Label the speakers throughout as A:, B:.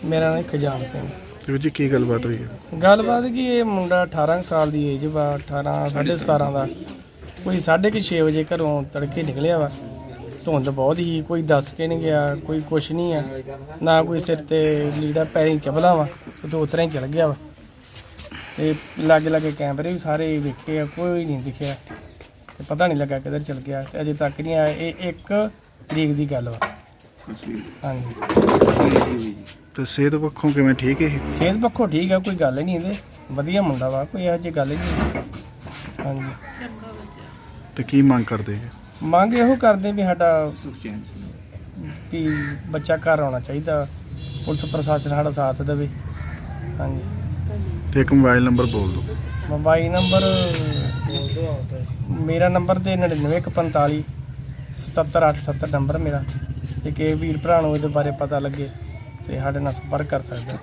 A: ਮੇਰਾ ਨਾਮ ਖਜਾਨ ਸਿੰਘ।
B: ਵੀਰ ਜੀ ਕੀ ਗੱਲਬਾਤ ਹੋਈ ਹੈ?
A: ਗੱਲਬਾਤ ਕਿ ਇਹ ਮੁੰਡਾ 18 ਸਾਲ ਦੀ ਏਜ ਵਾ, 18 17.5 ਦਾ। ਕੋਈ 6:30 ਵਜੇ ਘਰੋਂ ਤੜਕੇ ਨਿਕਲਿਆ ਵਾ। ਧੁੰਦ ਬਹੁਤ ਹੀ, ਕੋਈ ਦੱਸ ਕੇ ਨਹੀਂ ਗਿਆ, ਕੋਈ ਕੁਛ ਨਹੀਂ ਆ, ਨਾ ਕੋਈ ਸਿਰ ਤੇ ਲੀੜਾ ਪੈਰੀਂ ਚਪਲਾ ਵਾ, ਉਹ ਉਤਰਾਂ ਹੀ ਚਲ ਗਿਆ ਵਾ। ਤੇ ਲਾਗੇ ਲਾਗੇ ਕੈਮਰੇ ਵੀ ਸਾਰੇ ਵੇਖੇ ਆ, ਕੋਈ ਨਹੀਂ ਦਿਖਿਆ ਤੇ ਪਤਾ ਨਹੀਂ ਲੱਗਾ ਕਿੱਧਰ ਚਲ ਗਿਆ ਤੇ ਅਜੇ ਤੱਕ ਨਹੀਂ ਆਇਆ। ਇਹ 1 ਤਰੀਕ ਦੀ ਗੱਲ ਵਾ। ਹਾਂਜੀ।
B: ਤੇ ਸਿਹਤ ਪੱਖੋਂ ਕਿਵੇਂ ਠੀਕ ਹੈ?
A: ਸਿਹਤ ਪੱਖੋਂ ਠੀਕ ਆ, ਕੋਈ ਗੱਲ ਨਹੀਂ ਇਹਦੇ, ਵਧੀਆ ਮੁੰਡਾ ਵਾ, ਕੋਈ ਇਹੋ ਜਿਹੀ ਗੱਲ ਹੀ ਨਹੀਂ। ਹਾਂਜੀ।
B: ਤੇ ਕੀ ਮੰਗ ਕਰਦੇ ਜੀ?
A: ਮੰਗ ਇਹੋ ਕਰਦੇ ਵੀ ਸਾਡਾ ਵੀ ਬੱਚਾ ਘਰ ਆਉਣਾ ਚਾਹੀਦਾ, ਪੁਲਿਸ ਪ੍ਰਸ਼ਾਸਨ ਸਾਡਾ ਸਾਥ ਦੇਵੇ। ਹਾਂਜੀ।
B: ਤੇ ਇੱਕ ਮੋਬਾਈਲ ਨੰਬਰ ਬੋਲ ਦਿਓ।
A: ਮੋਬਾਈਲ ਨੰਬਰ ਮੇਰਾ ਨੰਬਰ ਤੇ 9945 77878 ਨੰਬਰ ਮੇਰਾ। ਜੇ ਕਿਸੇ ਵੀਰ ਭਰਾ ਨੂੰ ਇਹਦੇ ਬਾਰੇ ਪਤਾ ਲੱਗੇ ਤੇ ਸਾਡੇ ਨਾਲ ਸੰਪਰਕ ਕਰ ਸਕਦਾ।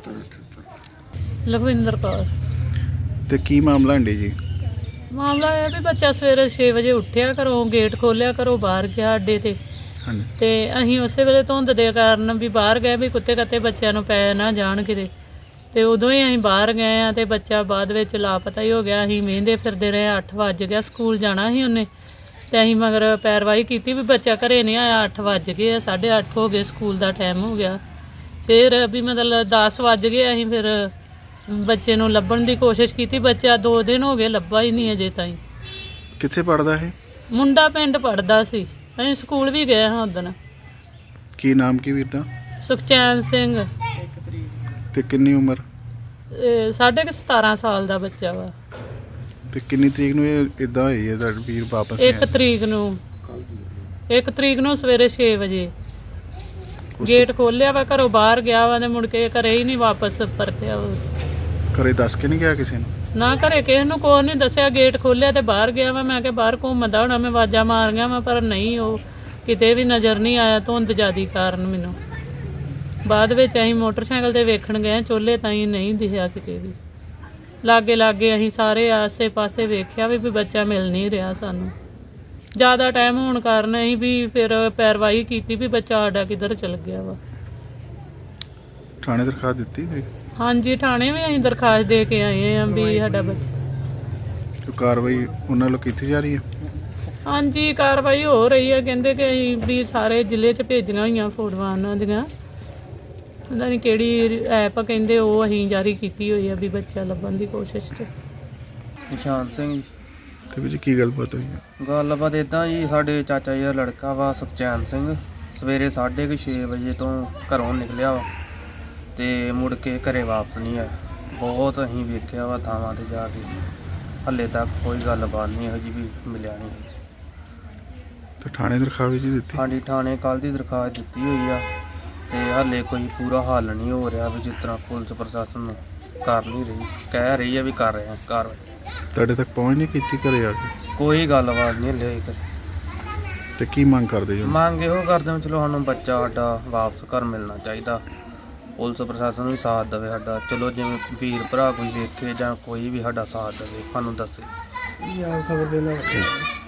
C: ਲਖਵਿੰਦਰ ਕੌਰ।
B: ਤੇ ਕੀ ਮਾਮਲਾ ਹੰਡੇ ਜੀ?
C: ਮਾਮਲਾ ਇਹ ਵੀ ਬੱਚਾ ਸਵੇਰੇ 6 ਵਜੇ ਉੱਠਿਆ, ਘਰੋਂ ਗੇਟ ਖੋਲ੍ਹਿਆ, ਘਰੋਂ ਬਾਹਰ ਗਿਆ ਅੱਡੇ ਤੇ।
B: ਹਾਂਜੀ।
C: ਤੇ ਅਸੀਂ ਉਸੇ ਵੇਲੇ ਧੁੰਦ ਦੇ ਕਾਰਨ ਵੀ ਬਾਹਰ ਗਏ ਵੀ ਕੁੱਤੇ ਕੱਤੇ ਬੱਚਿਆਂ ਨੂੰ ਪੈ ਨਾ ਜਾਣ ਕਿਤੇ। ਤੇ ਉਦੋਂ ਹੀ ਅਸੀਂ ਬਾਹਰ ਗਏ ਆ ਤੇ ਬੱਚਾ ਬਾਅਦ ਵਿੱਚ ਲਾਪਤਾ ਹੀ ਹੋ ਗਿਆ। ਅਸੀਂ ਮਹਿੰਦੇ ਫਿਰਦੇ ਰਹੇ, 8 ਵੱਜ ਗਿਆ, ਸਕੂਲ ਜਾਣਾ ਸੀ ਉਹਨੇ। ਤੇ ਅਸੀਂ ਮਗਰ ਪੈਰਵਾਈ ਕੀਤੀ ਵੀ ਬੱਚਾ ਘਰੇ ਨਹੀਂ ਆਇਆ। 8 ਵੱਜ ਗਏ, 8:30 ਹੋ ਗਏ, ਸਕੂਲ ਦਾ ਟਾਈਮ ਹੋ ਗਿਆ। ਫਿਰ ਵੀ ਮਤਲਬ 10 ਵੱਜ ਗਏ, ਅਸੀਂ ਫਿਰ ਬੱਚੇ ਨੂੰ ਲੱਭਣ ਦੀ ਕੋਸ਼ਿਸ਼ ਕੀਤੀ। ਬੱਚਾ 2 ਦਿਨ ਹੋ ਗਏ ਲੱਭਾ ਹੀ ਨਹੀਂ ਅਜੇ ਤਾਈਂ।
B: ਕਿੱਥੇ ਪੜਦਾ ਇਹ
C: ਮੁੰਡਾ? ਪਿੰਡ ਪੜਦਾ ਸੀ, ਅਸੀਂ ਸਕੂਲ ਵੀ ਗਏ ਹਾਂ ਉਦਣ।
B: ਕੀ ਨਾਮ ਕੀ ਵੀਰ ਦਾ?
C: ਸੁਖਚੈਨ ਸਿੰਘ।
B: ਤੇ ਕਿੰਨੀ ਉਮਰ?
C: 17.5 ਸਾਲ ਦਾ ਬੱਚਾ ਵਾ।
B: ਤੇ ਕਿੰਨੀ ਤਰੀਕ ਨੂੰ ਇਹ ਇਦਾਂ ਹੋਈ ਹੈ ਤੁਹਾਡਾ ਵੀਰ ਵਾਪਸ?
C: 1 ਤਰੀਕ ਨੂੰ। 1 ਤਰੀਕ ਨੂੰ ਸਵੇਰੇ 6 ਵਜੇ ਗੇਟ ਖੋਲਿਆ ਵਾ, ਘਰੋਂ ਬਾਹਰ ਗਿਆ ਵਾ ਤੇ ਮੁੜ ਕੇ ਘਰੇ ਹੀ ਨਹੀਂ ਵਾਪਸ ਪਰਤਿਆ।
B: ਘਰੇ ਦੱਸ ਕੇ ਨਹੀਂ ਗਿਆ ਕਿਸੇ ਨੂੰ?
C: ਨਾ ਘਰੇ ਕਿਸੇ ਨੂੰ ਕੋਈ ਨਹੀਂ ਦੱਸਿਆ। ਗੇਟ ਖੋਲਿਆ ਤੇ ਬਾਹਰ ਗਿਆ ਵਾ। ਮੈਂ ਕਿਹਾ ਬਾਹਰ ਘੁੰਮਦਾ ਹੋਣਾ, ਮੈਂ ਆਵਾਜ਼ਾਂ ਮਾਰੀਆਂ ਵਾ ਪਰ ਨਹੀਂ, ਉਹ ਕਿਤੇ ਵੀ ਨਜ਼ਰ ਨਹੀਂ ਆਇਆ ਧੁੰਦ ਜ਼ਿਆਦੀ ਕਾਰਨ। ਮੈਨੂੰ ਬਾਅਦ ਵਿੱਚ ਅਸੀਂ ਮੋਟਰਸਾਈਕਲ ਤੇ ਵੇਖਣ ਗਏ, ਚੋਲੇ ਤਾਈਂ ਨਹੀਂ ਦਿਖਿਆ ਕਿਤੇ ਵੀ। ਲਾਗੇ ਲਾਗੇ ਅਸੀਂ ਸਾਰੇ ਆਸੇ ਪਾਸੇ ਵੇਖਿਆ ਵੀ ਬੱਚਾ ਮਿਲ ਨਹੀਂ ਰਿਹਾ ਸਾਨੂੰ। ਜ਼ਿਆਦਾ ਟਾਈਮ ਹੋਣ ਕਾਰਨ ਅਸੀਂ ਵੀ ਫਿਰ ਪੈਰਵਾਈ ਕੀਤੀ ਵੀ ਬੱਚਾ ਸਾਡਾ ਕਿੱਧਰ ਚਲ ਗਿਆ ਵਾ।
B: ਥਾਣੇ ਦਰਖਾਸਤ ਦਿੱਤੀ ਹੋਈ?
C: ਹਾਂਜੀ, ਥਾਣੇ ਵੀ ਅਸੀਂ ਦਰਖਾਸਤ ਦੇ ਕੇ ਆਏ ਹਾਂ ਵੀ ਸਾਡਾ ਬੱਚਾ।
B: ਜੋ ਕਾਰਵਾਈ ਉਹਨਾਂ ਵੱਲੋਂ ਕੀਤੀ ਜਾ ਰਹੀ ਹੈ?
C: ਹਾਂਜੀ, ਕਾਰਵਾਈ ਹੋ ਰਹੀ ਹੈ। ਕਹਿੰਦੇ ਕਿ ਅਸੀਂ ਵੀ ਸਾਰੇ ਜ਼ਿਲ੍ਹੇ 'ਚ ਭੇਜੀਆਂ ਹੋਈਆਂ ਫੋਟੋਆਂ ਉਹਨਾਂ ਦੀਆਂ। ਪਤਾ ਨਹੀਂ ਕਿਹੜੀ ਐਪ ਕਹਿੰਦੇ, ਉਹ ਅਸੀਂ ਜਾਰੀ ਕੀਤੀ ਹੋਈ ਆ ਵੀ ਬੱਚਾ ਲੱਭਣ ਦੀ ਕੋਸ਼ਿਸ਼ 'ਚ।
D: ਨਿਸ਼ਾਨ ਸਿੰਘ।
B: ਤੇ ਵੀਰ ਜੀ ਕੀ ਗੱਲਬਾਤ ਹੋਈ ਹੈ?
D: ਗੱਲਬਾਤ ਇੱਦਾਂ ਜੀ, ਸਾਡੇ ਚਾਚਾ ਜੀ ਦਾ ਲੜਕਾ ਵਾ ਸੁਖਚੈਨ ਸਿੰਘ, ਸਵੇਰੇ 6:30 ਵਜੇ ਤੋਂ ਘਰੋਂ ਨਿਕਲਿਆ ਵਾ ਤੇ ਮੁੜ ਕੇ ਘਰੇ ਵਾਪਸ ਨਹੀਂ ਆਇਆ। ਬਹੁਤ ਅਸੀਂ ਵੇਖਿਆ ਵਾ ਥਾਵਾਂ ਤੇ ਜਾ ਕੇ, ਹਾਲੇ ਤੱਕ ਕੋਈ ਗੱਲਬਾਤ ਨਹੀਂ ਇਹੋ ਜਿਹੀ ਵੀ ਮਿਲਿਆ ਨਹੀਂ।
B: ਤੇ ਥਾਣੇ ਦਰਖਾਸਤ ਜੀ ਦਿੱਤੀ?
D: ਹਾਂਜੀ, ਥਾਣੇ ਕੱਲ੍ਹ ਦੀ ਦਰਖਾਸਤ ਦਿੱਤੀ ਹੋਈ ਆ ਤੇ ਹਾਲੇ ਕੋਈ ਪੂਰਾ ਹੱਲ ਨਹੀਂ ਹੋ ਰਿਹਾ ਵੀ ਜਿਸ ਤਰ੍ਹਾਂ ਪੁਲਿਸ ਪ੍ਰਸ਼ਾਸਨ ਨੂੰ ਕਰ ਨਹੀਂ ਰਹੀ, ਕਹਿ ਰਹੀ ਆ ਵੀ ਕਰ ਰਹੇ ਆ ਕਾਰਵਾਈ।
B: ਤੁਹਾਡੇ ਤੱਕ ਪਹੁੰਚ ਨਹੀਂ ਕੀਤੀ ਘਰੇ ਆ ਕੇ?
D: ਕੋਈ ਗੱਲਬਾਤ ਨਹੀਂ ਹਲੇ ਤੱਕ।
B: ਤੇ ਕੀ ਮੰਗ ਕਰਦੇ ਜੀ?
D: ਮੰਗ ਇਹੋ ਕਰਦੇ ਹਾਂ, ਚਲੋ ਸਾਨੂੰ ਬੱਚਾ ਸਾਡਾ ਵਾਪਸ ਘਰ ਮਿਲਣਾ ਚਾਹੀਦਾ। ਪੁਲਿਸ ਪ੍ਰਸ਼ਾਸਨ ਵੀ ਸਾਥ ਦੇਵੇ ਸਾਡਾ। ਚਲੋ ਜਿਵੇਂ ਵੀਰ ਭਰਾ ਕੋਈ ਵੇਖੇ ਜਾਂ ਕੋਈ ਵੀ ਸਾਡਾ ਸਾਥ ਦੇਵੇ, ਸਾਨੂੰ ਦੱਸੇ।
A: ਖਬਰ ਦੇ ਨਾਲ।